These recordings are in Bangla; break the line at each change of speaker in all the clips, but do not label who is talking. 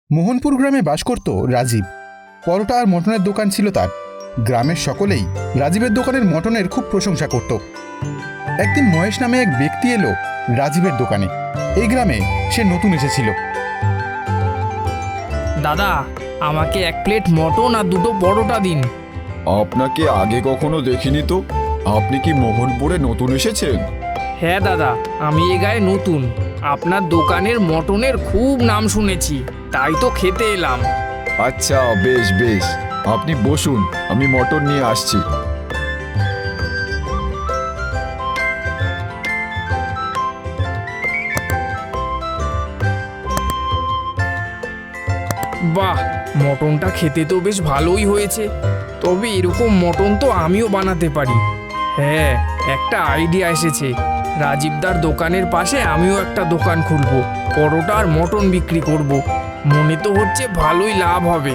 মোহনপুর গ্রামে বাস করত রাজীব। পরোটা আর মটনের দোকান ছিল তার। গ্রামের সকলেই রাজীবের দোকানের মটনের খুব প্রশংসা করত। একদিন মহেশ নামে এক ব্যক্তি এলো রাজীবের দোকানে। এই গ্রামে সে নতুন এসেছিল।
দাদা, আমাকে 1 প্লেট মটন আর 2টো পরোটা দিন।
আপনাকে আগে কখনো দেখিনি তো। আপনি কি মোহনপুরে নতুন এসেছেন?
হ্যাঁ দাদা, আমি এ গায়ে নতুন। আপনার দোকানের মটনের খুব নাম শুনেছি, তাই তো খেতে এলাম।
আচ্ছা, বেশ বেশ, আপনি বসুন, আমি মটন নিয়ে আসছি।
বাহ, মটনটা খেতে তো বেশ ভালোই হয়েছে। তবে এরকম মটন তো আমিও বানাতে পারি। হ্যাঁ, একটা আইডিয়া এসেছে। রাজীবদার দোকানের পাশে আমিও একটা দোকান খুলব, পরোটা আর মটন বিক্রি করব। মনে তো হচ্ছে ভালোই লাভ হবে।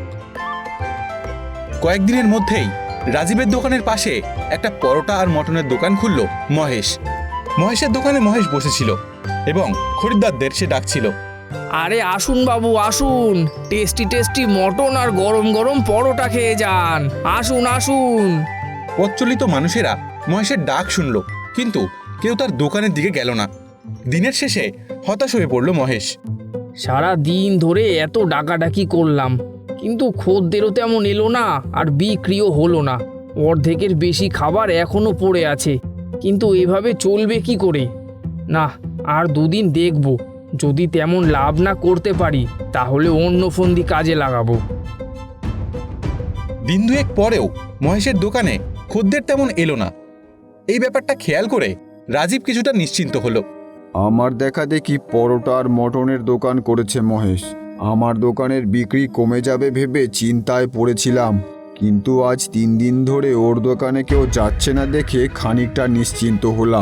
কয়েকদিনের মধ্যেই রাজীবের দোকানের পাশে একটা পরোটা আর মটনের দোকান খুলল মহেশ। মহেশের দোকানে মহেশ বসেছিল এবং খরিদ্দারদের সে ডাকছিল।
আরে আসুন বাবু, আসুন, টেস্টি টেস্টি মটন আর গরম গরম পরোটা খেয়ে যান। আসুন আসুন।
পথচলিত মানুষেরা মহেশের ডাক শুনল, কিন্তু কেউ তার দোকানের দিকে গেল না। দিনের শেষে হতাশ হয়ে পড়ল মহেশ।
সারা দিন ধরে এত ডাকাডাকি করলাম, কিন্তু খদ্দেরও তেমন এলো না আর বিক্রিও হলো না। অর্ধেকের বেশি খাবার এখনো পড়ে আছে, কিন্তু এভাবে চলবে কি করে? না, আর 2 দিন দেখব। যদি তেমন লাভ না করতে পারি তাহলে অন্য ফন্দি কাজে লাগাবো।
দিন 2 পরেও মহেশের দোকানে খদ্দের তেমন এলো না। এই ব্যাপারটা খেয়াল করে রাজীব কিছুটা নিশ্চিন্ত হলো।
আমার দেখা দেখি পরোটা আর মটনের দোকান করেছে মহেশ। আমার দোকানের বিক্রি কমে যাবে ভেবে চিন্তায় পড়েছিলাম, কিন্তু আজ 3 দিন ধরে ওর দোকানে কেউ যাচ্ছে না দেখে খানিকটা নিশ্চিন্ত হলাম।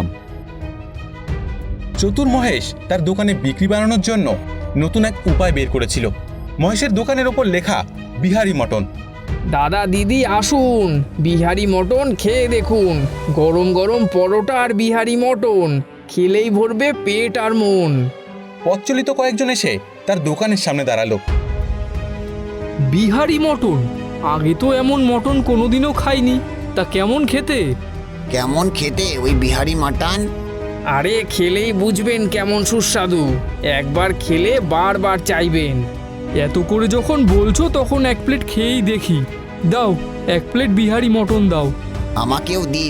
চতুর মহেশ তার দোকানে বিক্রি বাড়ানোর জন্য নতুন এক উপায় বের করেছিল। মহেশের দোকানের ওপর লেখা বিহারি মটন।
দাদা দিদি আসুন, বিহারি মটন খেয়ে দেখুন। গরম গরম পরোটা আর বিহারি মটন খেলেই ভরবে পেট আর মন।
পথচলিত কয়েকজন এসে তার দোকানের সামনে দাঁড়ালো।
বিহারি মটন? আগে তো এমন মটন কোনোদিনও খাইনি। তা কেমন খেতে?
কেমন খেতে ওই বিহারি মাটন?
আরে খেলেই বুঝবেন কেমন সুস্বাদু। একবার খেলে বারবার চাইবেন।
এত করে যখন বলছো তখন 1 প্লেট খেয়েই দেখি। দাও, 1 প্লেট বিহারি মটন দাও।
আমাকেও দিন।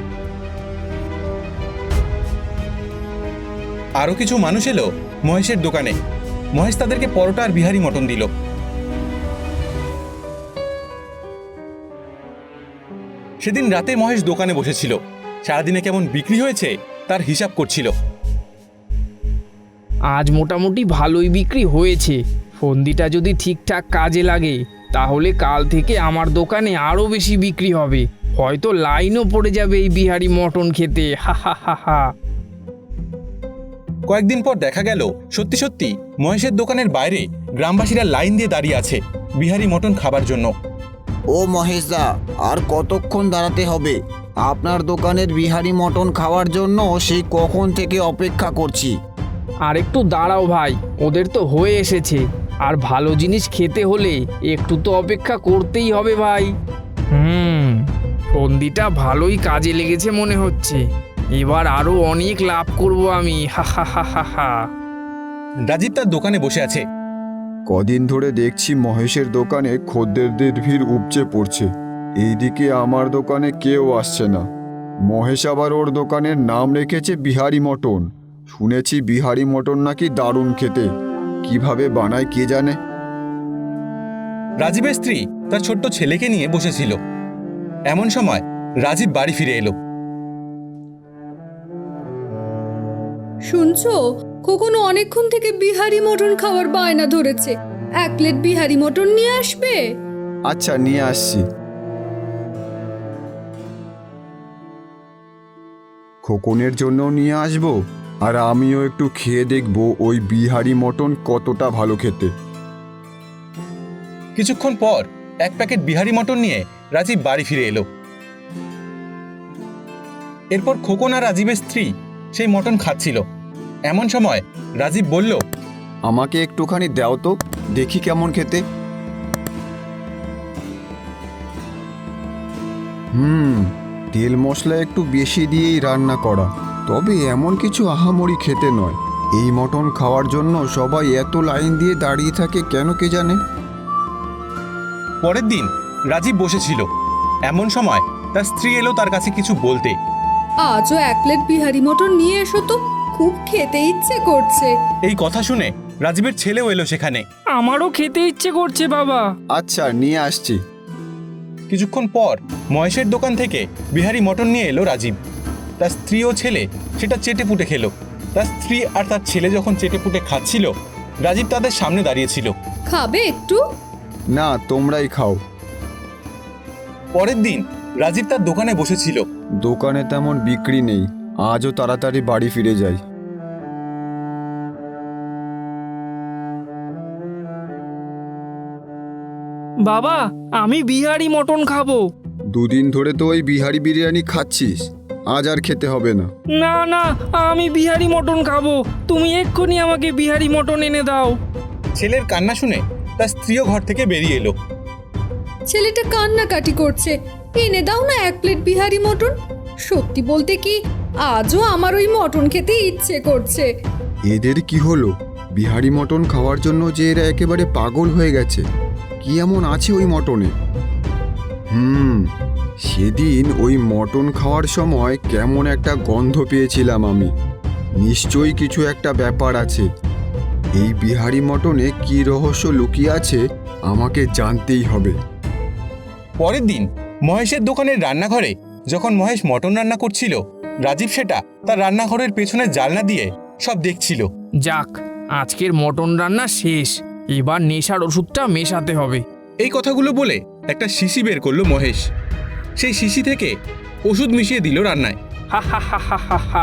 আরো কিছু মানুষ এলো মহেশের দোকানে। মহেশ তাদেরকে পরোটা আর বিহারি মটন দিল। সেদিন রাতে মহেশ দোকানে বসেছিল। সারাদিনে কেমন বিক্রি হয়েছে তার হিসাব করছিল।
আজ মোটামুটি ভালোই বিক্রি হয়েছে। ফন্দিটা যদি ঠিকঠাক কাজে লাগে তাহলে কাল থেকে আমার দোকানে আরও বেশি বিক্রি হবে। হয়তো লাইনও পড়ে যাবে এই বিহারি মটন খেতে। হা হা হা হা।
কয়েকদিন পর দেখা গেল সত্যি সত্যি মহেশের দোকানের বাইরে গ্রামবাসীরা লাইন দিয়ে দাঁড়িয়ে আছে বিহারি মটন খাবার জন্য।
ও মহেশদা, আর কতক্ষণ দাঁড়াতে হবে? আপনার দোকানের বিহারি মটন খাওয়ার জন্য সেই কখন থেকে অপেক্ষা করছি।
আর একটু দাঁড়াও ভাই, ওদের তো হয়ে এসেছে। আর ভালো জিনিস খেতে হলে একটু তো অপেক্ষা করতেই হবে ভাই। ফন্দিটা ভালোই কাজে লেগেছে মনে হচ্ছে। এবার আরো অনেক লাভ করব আমি। হা হা হা হা হা।
রাজীব তার দোকানে বসে আছে।
কদিন ধরে দেখছি মহেশের দোকানে খদ্দেরদের ভিড় উপচে পড়ছে। এইদিকে আমার দোকানে কেউ আসছে না। মহেশ আবার ওর দোকানের নাম রেখেছে বিহারি মটন। শুনেছি বিহারি মটন নাকি দারুণ খেতে। কিভাবে বানায় কে জানে।
রাজীবের স্ত্রী তার ছোট্ট ছেলেকে নিয়ে বসেছিল। এমন সময় রাজীব বাড়ি ফিরে এলো।
শুনছো, খোকন অনেকক্ষণ থেকে বিহারি মটন খাওয়ার বায়না ধরেছে। 1 প্লেট বিহারি মটন নিয়ে আসবে?
আচ্ছা, নিয়ে আসছি। খোকনের জন্য নিয়ে আসবো, আর আমিও একটু খেয়ে দেখবো ওই বিহারি মটন কতটা ভালো খেতে।
কিছুক্ষণ পর 1 প্যাকেট বিহারি মটন নিয়ে রাজীব বাড়ি ফিরে এলো। এরপর খোকন আর রাজীবের স্ত্রী সেই মটন খাচ্ছিল। এমন সময় রাজীব বলল,
আমাকে একটুখানি দাও তো। দেখি কেমন খেতে। তেল মশলা একটু বেশি দিয়েই রান্না করা, তবে এমন কিছু আহামরি খেতে নয়। এই মটন খাওয়ার জন্য সবাই এত লাইন দিয়ে দাঁড়িয়ে থাকে কেন কে জানে।
পরের দিন রাজীব বসেছিল, এমন সময় তার স্ত্রী এলো তার কাছে কিছু বলতে।
আজও 1 প্লেট বিহারি মটন নিয়ে এসো তো, খুব খেতে ইচ্ছে করছে।
এই কথা শুনে রাজীবের ছেলেও এলো সেখানে।
আমারও খেতে ইচ্ছে করছে বাবা।
আচ্ছা, নিয়ে আসছি।
কিছুক্ষণ পর মহেশের দোকান থেকে বিহারি মটন নিয়ে এলো রাজীব। তার স্ত্রী ও ছেলে সেটা চেটেপুটে খেলো। তার স্ত্রী আর তার ছেলে যখন চেটেপুটে খাচ্ছিল, রাজীব তাদের সামনে দাঁড়িয়েছিল।
খাবে একটু?
না, তোমরাই খাও।
পরের দিন রাজীব তার দোকানে বসেছিল।
দোকানে তেমন বিক্রি নেই, আজও তাড়াতাড়ি বাড়ি ফিরে যাই।
বাবা, আমি বিহারি মটন খাবো।
দুদিন ধরে তো ওই বিহারি বিরিয়ানি খাচ্ছিস, আজ আর খেতে হবে না।
না না, আমি বিহারি মটন খাবো। তুমি এক্ষুনি আমাকে বিহারি মটন এনে দাও।
ছেলের কান্না শুনে তার স্ত্রীও ঘর থেকে বেরিয়ে এলো।
ছেলেটা কান্নাকাটি করছে, এনে দাও না 1 প্লেট বিহারি মটন। সত্যি বলতে কি, আজও আমার ওই মটন খেতে ইচ্ছে করছে।
এদের কি হলো? বিহারি মটন খাওয়ার জন্য যে এরা একেবারে পাগল হয়ে গেছে। কি এমন আছে ওই মটনে? সেদিন ওই মটন খাওয়ার সময় কেমন একটা গন্ধ পেয়েছিলাম আমি। নিশ্চয়ই কিছু একটা ব্যাপার আছে। এই বিহারি মটনে কি রহস্য লুকিয়ে আছে আমাকে জানতেই হবে।
পরের দিন মহেশের দোকানের রান্নাঘরে যখন মহেশ মটন রান্না করছিল, রাজীব সেটা তার রান্নাঘরের পেছনের জানলা দিয়ে সব দেখছিল।
যাক, আজকের মটন রান্না শেষ। এবার নেশার ওষুধটা মেশাতে হবে।
এই কথাগুলো বলে একটা শিশি বের করলো মহেশ। সেই শিশি থেকে ওষুধ মিশিয়ে দিল রান্নায়।
হা হা হা হা হা হা,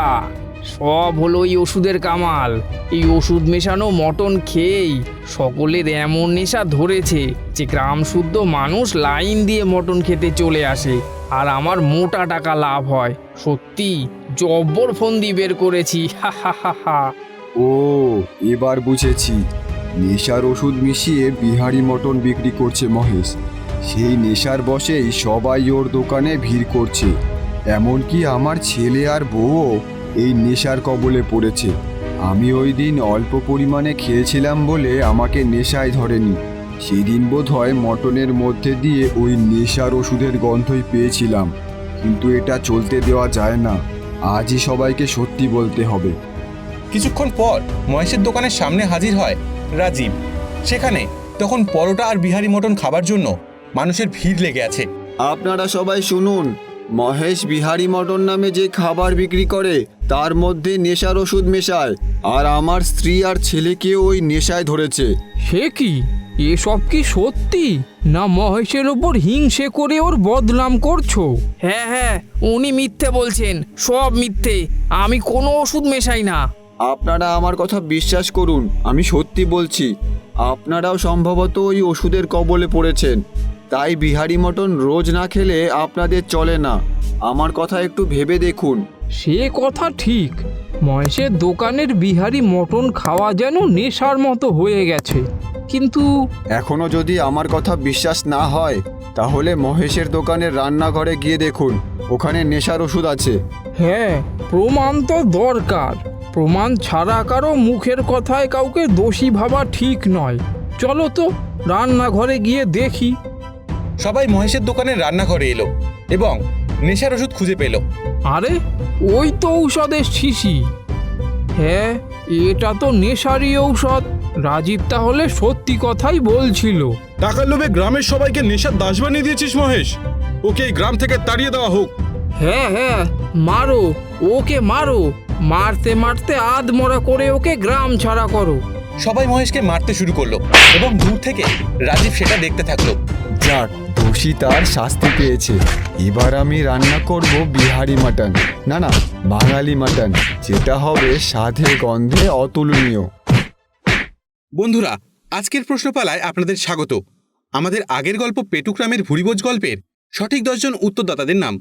সব হলো এই ওষুধের কামাল। এই ওষুধ মেশানো মটন খেয়েই সকলের এমন নেশা ধরেছে যে গ্রাম শুদ্ধ মানুষ লাইন দিয়ে মটন খেতে চলে আসে, আর আমার মোটা টাকা লাভ হয়। সত্যি জব্বর ফন্দি বের করেছি। হা হা হা হা।
ও, এবার বুঝেছি। নেশার ওষুধ মিশিয়ে বিহারি মটন বিক্রি করছে মহেশ। সেই নেশার বশেই সবাই ওর দোকানে ভিড় করছে। এমনকি আমার ছেলে আর বউও এই নেশার কবলে পড়েছে। আমি ওই দিন অল্প পরিমাণে খেয়েছিলাম বলে আমাকে নেশায় ধরেনি। সেদিন বোধহয় মটনের মধ্যে দিয়ে ওই নেশার ওষুধের গন্ধই পেয়েছিলাম। কিন্তু এটা চলতে দেওয়া যায় না। আজই সবাইকে সত্যি বলতে হবে।
কিছুক্ষণ পর মহেশের দোকানের সামনে হাজির হয় রাজীব। সেখানে তখন পরোটা আর বিহারি মটন খাবার জন্য মানুষের ভিড় লেগে আছে।
আপনারা সবাই শুনুন, মহেশ বিহারি মটন নামে যে খাবার বিক্রি করে তার মধ্যে নেশার ওষুধ মেশায়, আর আমার স্ত্রী আর ছেলেকেও ওই নেশায় ধরেছে।
সে কি? এসব কি সত্যি, না মহেশের ওপর হিংসে করে ওর বদনাম করছো?
হ্যাঁ হ্যাঁ, উনি মিথ্যে বলছেন, সব মিথ্যে। আমি কোনো ওষুধ মেশাই না।
আপনারা আমার কথা বিশ্বাস করুন, আমি সত্যি বলছি। আপনারাও সম্ভবত ওই ওষুধের কবলে পড়েছেন, তাই বিহারি মটন রোজ না খেলে আপনাদের চলে না। আমার কথা একটু ভেবে দেখুন।
সে কথা ঠিক, মহেশের দোকানের বিহারি মটন খাওয়া যেন নেশার মতো হয়ে গেছে। কিন্তু
এখনো যদি আমার কথা বিশ্বাস না হয়, তাহলে মহেশের দোকানের রান্নাঘরে গিয়ে দেখুন, ওখানে নেশার ওষুধ আছে।
হ্যাঁ, প্রমাণ তো দরকার। প্রমাণ ছাড়া কারো মুখের কথায় কাউকে দোষী ভাবা ঠিক নয়। চলো তো রান্নাঘরে গিয়ে দেখি।
সবাই মহেশের দোকানের রান্নাঘরে এলো এবং নেশার ওষুধ খুঁজে পেল।
আরে, ওই তো ঔষধের শিশি। হ্যাঁ, এটা তো নেশারই ঔষধ। রাজীব তাহলে সত্যি কথাই বলছিল।
টাকার লোভে গ্রামের সবাইকে নেশার দাস বানিয়ে দিয়েছিস মহেশ। ওকে এই গ্রাম থেকে তাড়িয়ে দেওয়া হোক।
হ্যাঁ হ্যাঁ, মারো, ওকে মারো। মারতে মারতে আধমরা করে ওকে গ্রাম ছাড়া করো।
সবাই মহেশকে মারতে শুরু করলো এবং দূর থেকে রাজীব সেটা দেখতে থাকলো।
যাক, দোষী তার শাস্তি পেয়েছে। এবার আমি রান্না করব বিহারি মাটন, না বাঙালি মাটন, যেটা হবে স্বাদে গন্ধে অতুলনীয়।
বন্ধুরা, আজকের প্রশ্নপালায় আপনাদের স্বাগত। আমাদের আগের গল্প পেটুগ্রামের ভুরিভোজ গল্পের সঠিক 10 জন উত্তরদাতাদের নাম: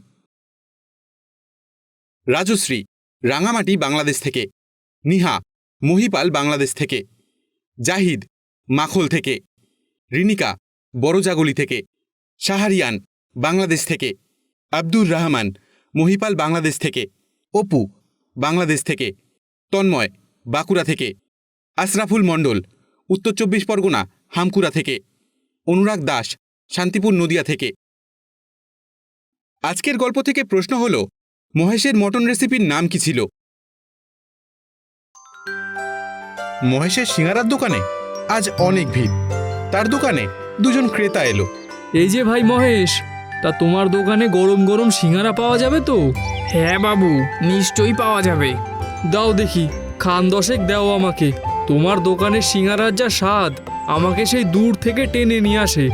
রাজশ্রী, রাঙামাটি, বাংলাদেশ থেকে; নিহা, মহিপাল, বাংলাদেশ থেকে; জাহিদ, মাখল থেকে, রিনিকা বড়জাগলি থেকে, শাহরিয়ান বাংলাদেশ থেকে, আব্দুর রহমান মহিপাল বাংলাদেশ থেকে, অপু বাংলাদেশ থেকে, তন্ময় বাঁকুড়া থেকে, আশরাফুল মণ্ডল উত্তর 24 পরগনা হামকুড়া থেকে, অনুরাগ দাস শান্তিপুর নদিয়া থেকে। আজকের গল্প থেকে প্রশ্ন হল, মহেশের মটন রেসিপির নাম কি ছিল? মহেশের সিঙ্গারার দোকানে আজ অনেক ভিড়। তার দোকানে দুজন ক্রেতা এলো।
এই যে ভাই মহেশ, তা তোমার দোকানে গরম গরম সিঙ্গারা পাওয়া যাবে তো?
হ্যাঁ বাবু, নিশ্চয়ই পাওয়া যাবে।
দাও দেখি, খান দশেক দাও আমাকে। তোমার দোকানের সিঙ্গারার যা স্বাদ, আমাকে সেই দূর থেকে টেনে নিয়ে আসে।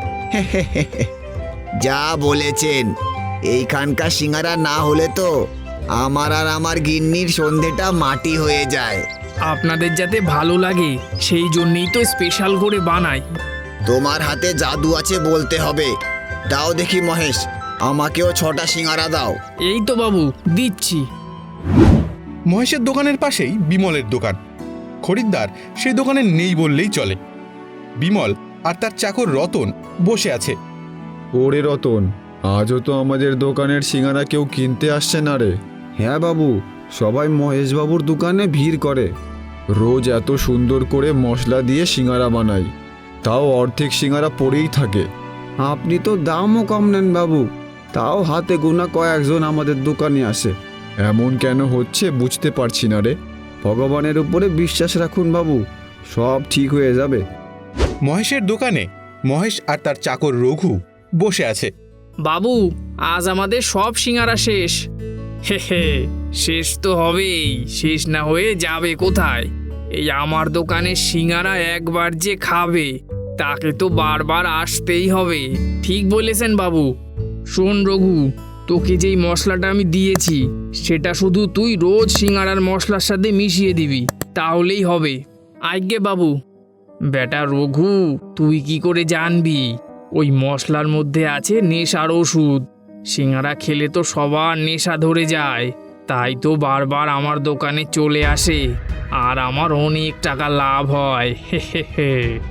যা বলেছেন, এইখানকার সিঙ্গারা না হলে তো আমার আর আমার গিন্নির সন্ধেটা মাটি হয়ে যায়।
আপনাদের যাতে ভালো লাগে সেই জন্যই তো স্পেশাল করে বানাই।
তোমার হাতে জাদু আছে বলতে হবে। দাও দেখি মহেশ, আমাকেও 6টা সিঙ্গারা দাও।
এই তো বাবু দিচ্ছি।
মহেশের দোকানের পাশেই বিমলের দোকান। খরিদ্দার সেই দোকানে নেই বললেই চলে। বিমল আর তার চাকর রতন বসে আছে।
ওরে রতন, আজও তো আমাদের দোকানের সিঙ্গারা কেউ কিনতে আসছে না রে। হ্যাঁ বাবু, সবাই মহেশবাবুর দোকানে ভিড় করে। রোজ এত সুন্দর করে মশলা দিয়ে সিঙ্গারা বানাই, তাও অর্ধেক সিঙ্গারা পড়েই থাকে। আপনি তো দামও কম নেন বাবু, তাও হাতে গোনা কয়েকজন আমাদের দোকানে আসে। এমন কেন হচ্ছে বুঝতে পারছি না রে। ভগবানের উপরে বিশ্বাস রাখুন বাবু, সব ঠিক হয়ে যাবে।
মহেশের দোকানে মহেশ আর তার চাকর রঘু বসে আছে।
বাবু, আজ আমাদের সব সিঙ্গারা শেষ। হে হে, শেষ তো হবেই, শেষ না হয়ে যাবে কোথায়? এই আমার দোকানের সিঙ্গারা একবার যে খাবে তাকে তো বারবার আসতেই হবে। ঠিক বলেছেন বাবু। শোন রঘু, তোকে যেই মশলাটা আমি দিয়েছি সেটা শুধু তুই রোজ সিঙ্গারার মশলার সাথে মিশিয়ে দিবি, তাহলেই হবে। আজ্ঞে বাবু। বেটা রঘু, তুই কি করে জানবি ওই মশলার মধ্যে আছে নেশার ওষুধ? সিঙ্গারা খেলে তো সবার নেশা ধরে যায়, তাই তো বারবার আমার দোকানে চলে আসে আর আমার অনেক টাকা লাভ হয়। হে হে হে।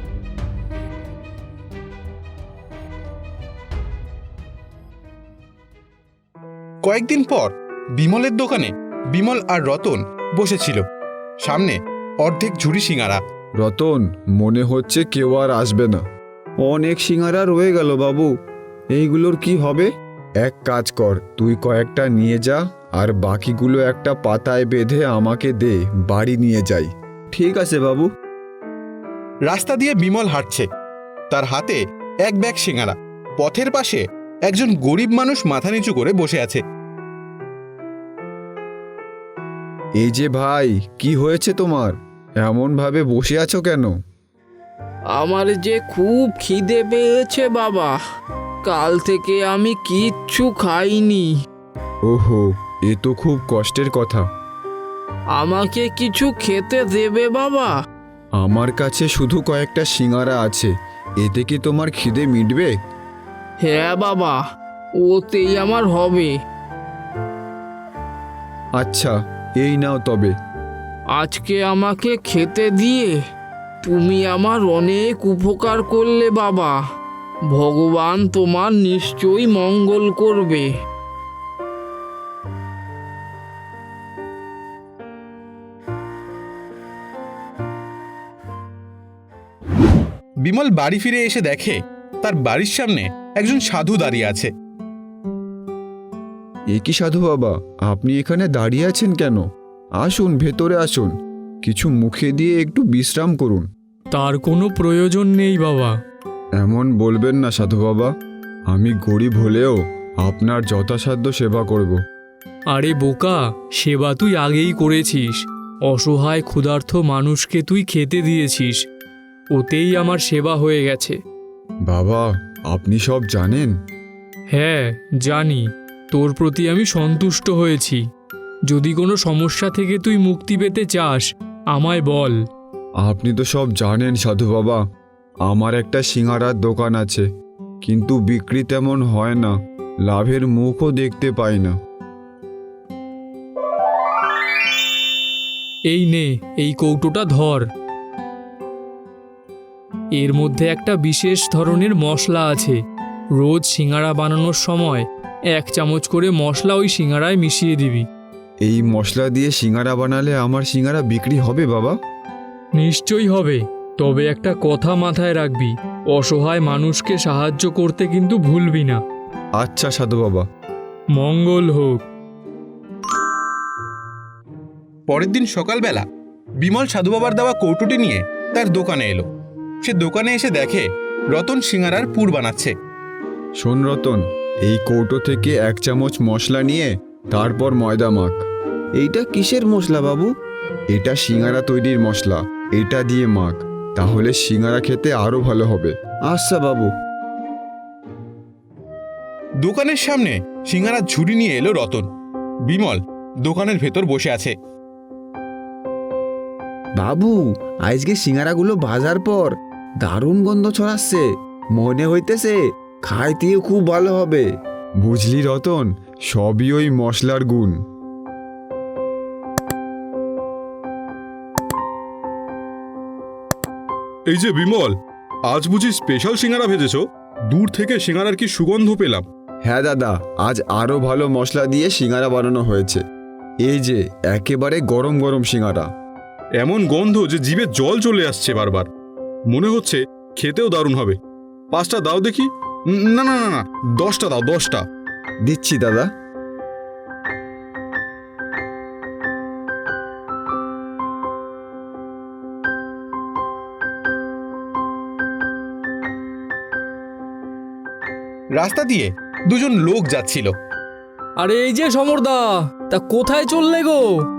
কয়েকদিন পর বিমলের দোকানে বিমল আর রতন বসেছিল। সামনে অর্ধেক ঝুড়ি সিঙ্গারা।
রতন, মনে হচ্ছে কেউ আর আসবে না। অনেক সিঙ্গারা রয়ে গেল বাবু, এইগুলোর কি হবে? এক কাজ কর, তুই কয়েকটা নিয়ে যা আর বাকিগুলো একটা পাতায় বেঁধে আমাকে দে, বাড়ি নিয়ে যাই। ঠিক আছে বাবু।
রাস্তা দিয়ে বিমল হাঁটছে, তার হাতে এক ব্যাগ সিঙ্গারা। পথের পাশে একজন গরিব মানুষ মাথা নিচু করে বসে আছে।
এই যে ভাই, কি হয়েছে তোমার? এমন ভাবে বসে আছো কেন?
আমার যে খুব খিদে পেয়েছে বাবা, কাল থেকে আমি কিচ্ছু খাইনি।
ওহো, এ তো খুব কষ্টের কথা।
আমাকে কিছু খেতে দেবে বাবা?
আমার কাছে শুধু কয়েকটা সিঙ্গারা আছে, এতে কি তোমার খিদে মিটবে?
হ্যাঁ বাবা, ওতেই আমার হবে।
আচ্ছা, এই নাও তবে।
আজকে আমাকে খেতে দিয়ে তুমি আমার অনেক উপকার করলে বাবা। ভগবান তোমার নিশ্চয়ই মঙ্গল করবে।
বিমল বাড়ি ফিরে এসে দেখে তার বাড়ির সামনে একজন সাধু দাঁড়িয়ে আছে।
এ কি সাধু বাবা, আপনি এখানে দাঁড়িয়ে আছেন কেন? আসুন, ভেতরে আসুন, কিছু মুখে দিয়ে একটু বিশ্রাম করুন।
তার কোনো প্রয়োজন নেই বাবা।
এমন বলবেন না সাধু বাবা, আমি গরিব হলেও আপনার যথাসাধ্য সেবা করব।
আরে বোকা, সেবা তুই আগেই করেছিস। অসহায় ক্ষুধার্ত মানুষকে তুই খেতে দিয়েছিস, ওতেই আমার সেবা হয়ে গেছে।
বাবা, আপনি সব জানেন?
হ্যাঁ জানি, তোর প্রতি আমি সন্তুষ্ট হয়েছি। যদি কোনো সমস্যা থেকে তুই মুক্তি পেতে চাস আমায় বল।
আপনি তো সব জানেন সাধু বাবা, আমার একটা সিঙ্গারার দোকান আছে, কিন্তু বিক্রি তেমন হয় না, লাভের মুখও দেখতে পাই না।
এই নে, এই কৌটোটা ধর। এর মধ্যে একটা বিশেষ ধরনের মশলা আছে। রোজ সিঙ্গারা বানানোর সময় 1 চামচ করে মশলা ওই সিঙ্গারায় মিশিয়ে দিবি।
এই মশলা দিয়ে সিঙ্গারা বানালে আমার সিঙ্গারা বিক্রি হবে বাবা?
নিশ্চয়ই হবে, তবে একটা কথা মাথায় রাখবি, অসহায় মানুষকে সাহায্য করতে কিন্তু ভুলবি না।
আচ্ছা সাধু বাবা।
মঙ্গল হোক।
পরের দিন সকালবেলা বিমল সাধু বাবার দেওয়া কৌটোটি নিয়ে তার দোকানে এলো। সে দোকানে এসে দেখে রতন সিঙ্গারার পুর বানাচ্ছে।
শোন রতন, এই কৌটো থেকে 1 চামচ মশলা নিয়ে তারপর ময়দা মাখ। এইটা কিসের মশলা বাবু? এটা সিঙ্গারা তৈরির মশলা, এটা দিয়ে মাখ, তাহলে সিঙ্গারা খেতে আরো ভালো হবে। আচ্ছা বাবু।
দোকানের সামনে সিঙ্গারার ঝুড়ি নিয়ে এলো রতন। বিমল দোকানের ভেতর বসে আছে।
বাবু, আজকে সিঙ্গারাগুলো ভাজার পর দারুণ গন্ধ ছড়াচ্ছে, মনে হইতেছে খাইতেও খুব ভালো হবে।
বুঝলি রতন, সবই ওই মশলার গুণ।
এই যে বিমল, আজ বুঝি স্পেশাল সিঙ্গারা ভেজেছো? দূর থেকে সিঙ্গারার কি সুগন্ধ পেলাম।
হ্যাঁ দাদা, আজ আরো ভালো মশলা দিয়ে সিঙ্গারা বানানো হয়েছে। এই যে একেবারে গরম গরম সিঙ্গারা।
এমন গন্ধ যে জিভে জল চলে আসছে বারবার। মনে হচ্ছে খেতেও দারুণ হবে। 5টা দাও দেখি। না না না না, 10টা দাও, 10টা।
দিচ্ছি দাদা।
রাস্তা দিয়ে দুজন লোক যাচ্ছিল।
আরে এই যে সমরদা, তা কোথায় চললে গো?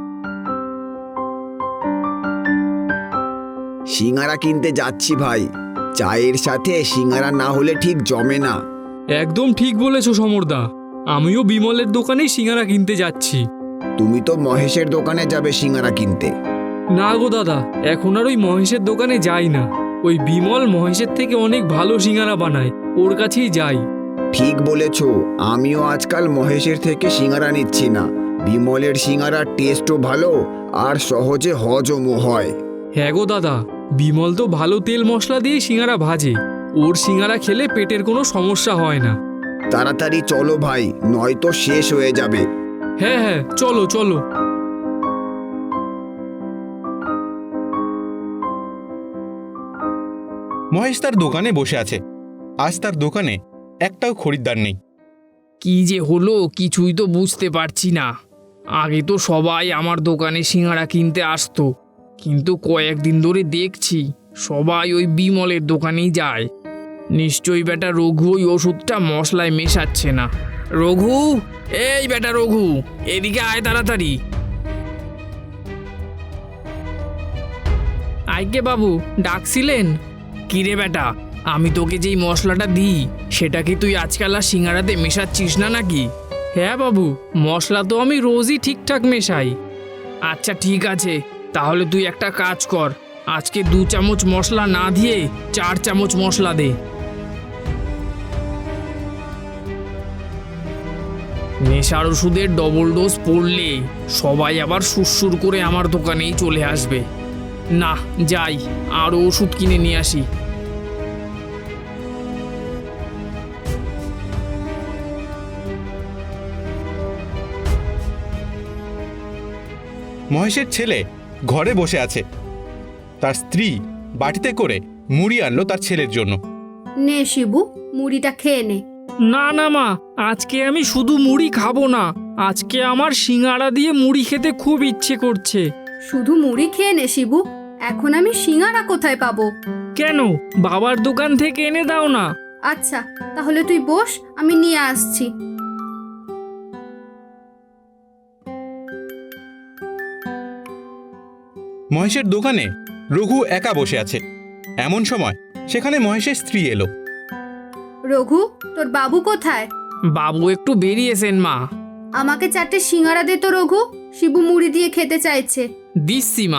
সিঙ্গারা কিনতে যাচ্ছি ভাই, চায়ের সাথে সিঙ্গারা না হলে ঠিক জমে না।
একদম ঠিক বলেছো সমরদা, আমিও বিমলের দোকানেই সিঙ্গারা কিনতে যাচ্ছি।
তুমি তো মহেশের দোকানে যাবে সিঙ্গারা কিনতে।
না গো দাদা, এখন আর ওই মহেশের দোকানে যাই না। ওই বিমল মহেশের থেকে অনেক ভালো সিঙ্গারা বানায়, ওর কাছেই যাই।
ঠিক বলেছ, আমিও আজকাল মহেশের থেকে সিঙ্গারা নিচ্ছি না। বিমলের সিঙ্গারার টেস্টও ভালো আর সহজে হজমও হয়।
হ্যাঁ গো দাদা, বিমল তো ভালো তেল মশলা দিয়ে সিঙ্গারা ভাজে, ওর সিঙ্গারা খেলে পেটের কোনো সমস্যা হয় না।
তাড়াতাড়ি চলো ভাই, নয়তো শেষ হয়ে যাবে।
হ্যাঁ হ্যাঁ, চলো চলো।
মহেশ তার দোকানে বসে আছে। আজ তার দোকানে একটাও খরিদ্দার নেই।
কি যে হলো কিছুই তো বুঝতে পারছি না। আগে তো সবাই আমার দোকানে সিঙ্গারা কিনতে আসতো, কিন্তু কয়েকদিন ধরে দেখছি সবাই ওই বিমলের দোকানেই যায়। নিশ্চয়ই বেটা রঘু ওই ওষুধটা মশলায় মেশাচ্ছে না। রঘু, এই বেটা রঘু, এদিকে আয় তাড়াতাড়ি। আইকে বাবু, ডাকছিলেন? কিরে বেটা, আমি তোকে যেই মশলাটা দিই সেটা কি তুই আজকাল আর সিঙ্গারাতে মেশাচ্ছিস না নাকি? হ্যাঁ বাবু, মশলা তো আমি রোজই ঠিকঠাক মেশাই। আচ্ছা ঠিক আছে, তাহলে তুই একটা কাজ কর, আজকে 2 চামচ মশলা না দিয়ে 4 চামচ মশলা দে। নেশার ওষুধের ডবল ডোজ পড়লে সবাই আবার সুরসুর করে আমার দোকানেই চলে আসবে। না, যাই আরও ওষুধ কিনে নিয়ে আসি।
মহেশের ছেলে ঘরে বসে আছে। তার স্ত্রী বাটিতে করে মুড়ি আনলো তার ছেলের জন্য।
নে শিবু, মুড়িটা খেয়ে নে।
না না মা, আজকে আমি শুধু মুড়ি খাবো না, আজকে আমার সিঙ্গারা দিয়ে মুড়ি খেতে খুব ইচ্ছে করছে।
শুধু মুড়ি খেয়ে নে শিবু, এখন আমি সিঙ্গারা কোথায় পাবো?
কেন, বাবার দোকান থেকে এনে দাও না।
আচ্ছা, তাহলে তুই বস, আমি নিয়ে আসছি।
মহেশের দোকানে রঘু একা বসে আছে। এমন সময় সেখানে মহেশের স্ত্রী এলো।
রঘু, তোর বাবু কোথায়?
বাবু একটু বেরিয়েছেন মা।
আমাকে 4টে সিঙ্গারা দে তো রঘু, শিবু মুড়ি দিয়ে খেতে চাইছে।
দিচ্ছি মা।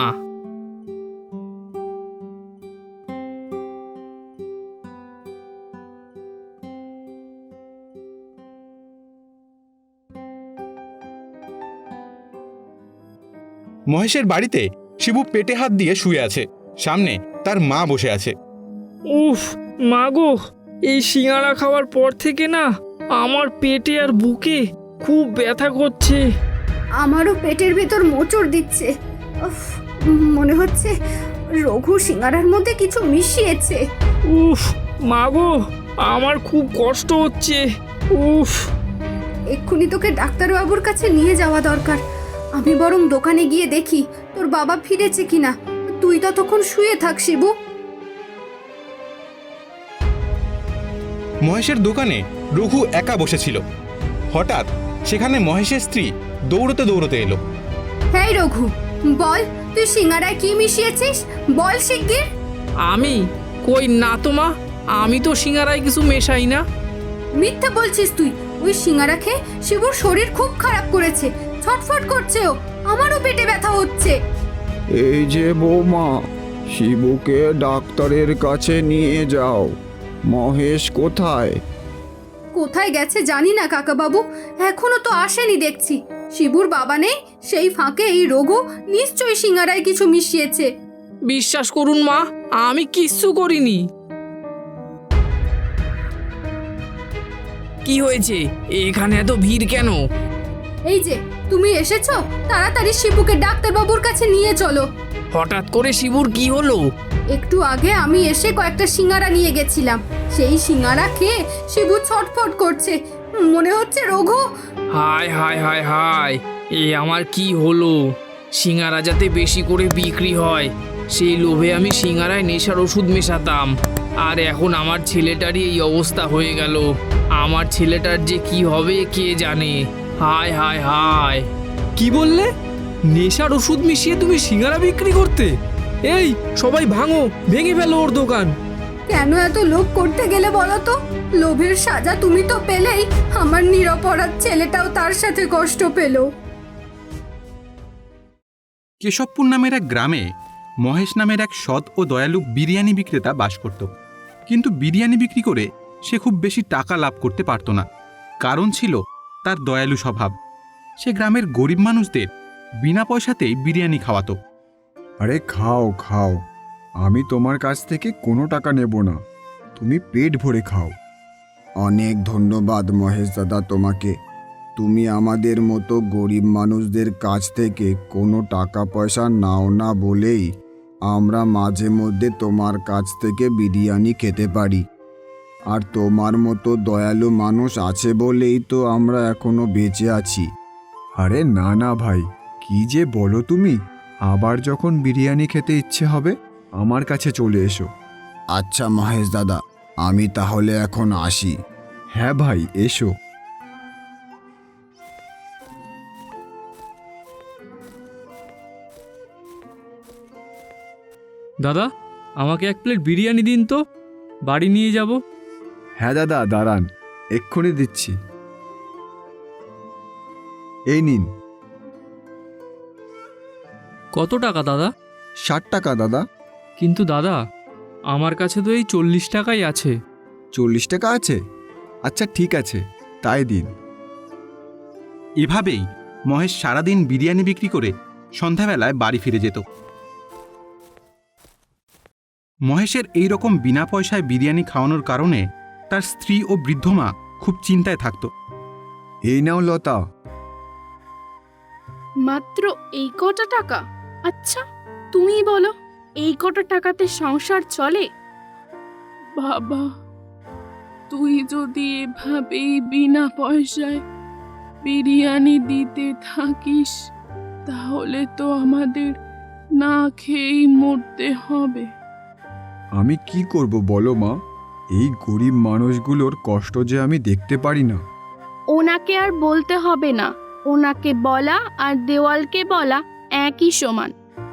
মহেশের বাড়িতে শিবু পেটে হাত দিয়ে শুয়ে আছে। সামনে তার মা বসে আছে।
উফ মাগো, এই সিঙ্গারা খাওয়ার পর থেকে না আমার পেটে আর বুকে খুব ব্যথা করছে।
আমারও পেটের ভেতর মোচড় দিচ্ছে। উফ, মনে হচ্ছে রঘু সিঙ্গারার মধ্যে কিছু মিশিয়েছে।
উফ মাগো, আমার খুব কষ্ট হচ্ছে। উফ।
এক্ষুনি তোকে ডাক্তারবাবুর কাছে নিয়ে যাওয়া দরকার। আমি বরং দোকানে গিয়ে দেখি তোর বাবা ফিরেছে কিনা। তুই ততক্ষণ শুয়ে থাক শিবু।
মহেশের দোকানে রঘু একা বসেছিল। হঠাৎ সেখানে মহেশের স্ত্রী দৌড়তে দৌড়তে এলো।
হ্যাঁ রঘু, বল তুই সিঙ্গারায় কি মিশিয়েছিস, বল শিগগির।
আমি কই না তো মা, আমি তো সিঙ্গারায় কিছু মেশাই না।
মিথ্যা বলছিস তুই। ওই সিঙ্গারা খেয়ে শিবুর শরীর খুব খারাপ করেছে, ছটফট করছে ও, আমারও পেটে ব্যথা হচ্ছে।
এই যে বৌমা, শিবুকে ডাক্তারের কাছে নিয়ে যাও। মহেশ কোথায়?
কোথায় গেছে জানি না কাকাবাবু, এখনো তো আসেনি দেখছি। শিবুর বাবা নেই, সেই ফাঁকে এই রঘু নিশ্চয়ই সিঙ্গারায় কিছু মিশিয়েছে।
বিশ্বাস করুন মা, আমি কিচ্ছু করিনি। কি হয়েছে, এখানে এত ভিড় কেন?
এই যে তুমি এসেছো, তাড়াতাড়ি শিবুকে ডাক্তারবাবুর কাছে নিয়ে চলো।
হঠাৎ করে শিবুর কি হলো?
একটু আগে আমি এসে কয়েকটা সিঙ্গারা নিয়ে গেছিলাম, সেই সিঙ্গারা খেয়ে শিবু ছটফট করছে। মনে হচ্ছে রঘু।
হায় হায় হায় হায়, এ আমার কি হলো? সিঙ্গারা যাতে বেশি করে বিক্রি হয় সেই লোভে আমি সিঙ্গারায় নেশার ওষুধ মেশাতাম, আর এখন আমার ছেলেটারই এই অবস্থা হয়ে গেল। আমার ছেলেটার যে কি হবে কে জানে। হায় হায় হায়।
কি বললে? নেশার ওষুধ মিশিয়ে তুমি সিঙ্গারা বিক্রি করতে? এই সবাই ভাঙো, ভেঙে ফেলো ওর দোকান।
কেন এত লোভ করতে গেলে বলো তো? লোভের সাজা তুমি তো পেলেই, আমার নিরপরাধ ছেলেটাও তার সাথে কষ্ট পেল।
কেশবপুর নামের এক গ্রামে মহেশ নামের এক সৎ ও দয়ালু বিরিয়ানি বিক্রেতা বাস করত। কিন্তু বিরিয়ানি বিক্রি করে সে খুব বেশি টাকা লাভ করতে পারত না। কারণ ছিল তার দয়ালু স্বভাব। সে গ্রামের গরিব মানুষদের বিনা পয়সাতেই বিরিয়ানি খাওয়াতো।
আরে খাও খাও, আমি তোমার কাছ থেকে কোনো টাকা নেব না, তুমি পেট ভরে খাও। অনেক ধন্যবাদ মহেশ দাদা তোমাকে। তুমি আমাদের মতো গরিব মানুষদের কাছ থেকে কোনো টাকা পয়সা নাও না বলেই আমরা মাঝে মধ্যে তোমার কাছ থেকে বিরিয়ানি খেতে পারি। আর তোমার মতো দয়ালু মানুষ আছে বলেই তো আমরা এখনো বেঁচে আছি। আরে না না ভাই, কি যে বলো তুমি। আবার যখন বিরিয়ানি খেতে ইচ্ছে হবে আমার কাছে চলে এসো। আচ্ছা মহেশ দাদা, আমি তাহলে এখন আসি। হ্যাঁ ভাই, এসো।
দাদা, আমাকে এক প্লেট বিরিয়ানি দিন তো, বাড়ি নিয়ে যাব।
হ্যাঁ দাদা, দাঁড়ান, এক্ষুনি দিচ্ছি। এই নিন।
কত টাকা দাদা?
60 টাকা দাদা।
কিন্তু দাদা, আমার কাছে তো এই 40 টাকাই আছে।
40 টাকা আছে? আচ্ছা ঠিক আছে, তাই দিন।
এভাবেই মহেশ সারাদিন বিরিয়ানি বিক্রি করে সন্ধ্যাবেলায় বাড়ি ফিরে যেত। মহেশের এই রকম বিনা পয়সায় বিরিয়ানি খাওয়ানোর কারণে তার স্ত্রী ও বৃদ্ধ মা খুব চিন্তায় থাকত।
এই নাও লতা।
মাত্র এই কটা টাকা? আচ্ছা তুমি বলো, এই কটা টাকাতে সংসার চলে? বাবা, তুই যদি এভাবেই বিনা পয়সায় বিরিয়ানি দিতে থাকিস তাহলে তো আমাদের না খেয়েই মরতে হবে।
আমি কি করব বলো মা, এই গরিব মানুষগুলোর কষ্ট যে আমি দেখতে পারি না।
ওনাকে আর বলতে হবে না, ওনাকে বলা আর দেওয়ালকে বলা একই সমান।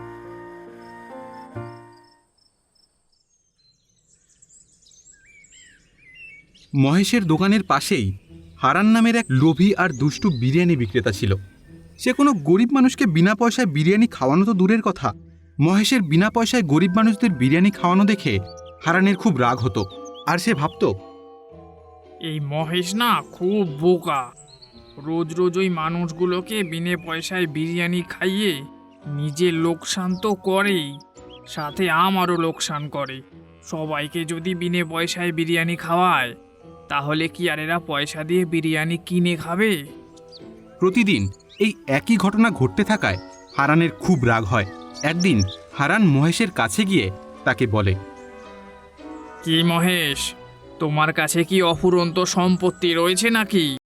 মহেশের দোকানের পাশেই হারান নামের এক লোভী আর দুষ্টু বিরিয়ানি বিক্রেতা ছিল। সে কোনো গরিব মানুষকে বিনা পয়সায় বিরিয়ানি খাওয়ানো তো দূরের কথা, মহেশের বিনা পয়সায় গরিব মানুষদের বিরিয়ানি খাওয়ানো দেখে হারানের খুব রাগ হতো। আর সে ভাবত,
এই মহেশ না খুব বোকা, রোজ রোজ ওই মানুষগুলোকে বিনে পয়সায় বিরিয়ানি খাইয়ে নিজের লোকসান তো করেই, সাথে আমারও লোকসান করে।
সবাইকে যদি বিনে পয়সায় বিরিয়ানি খাওয়ায় তাহলে কি আর এরা পয়সা দিয়ে বিরিয়ানি কিনে খাবে?
প্রতিদিন এই একই ঘটনা ঘটতে থাকায় হারানের খুব রাগ হয়। একদিন হারান মহেশের কাছে গিয়ে তাকে বলে,
কি মহেশ, তোমার কাছে কি অফুরন্ত সম্পত্তি রয়েছে নাকি?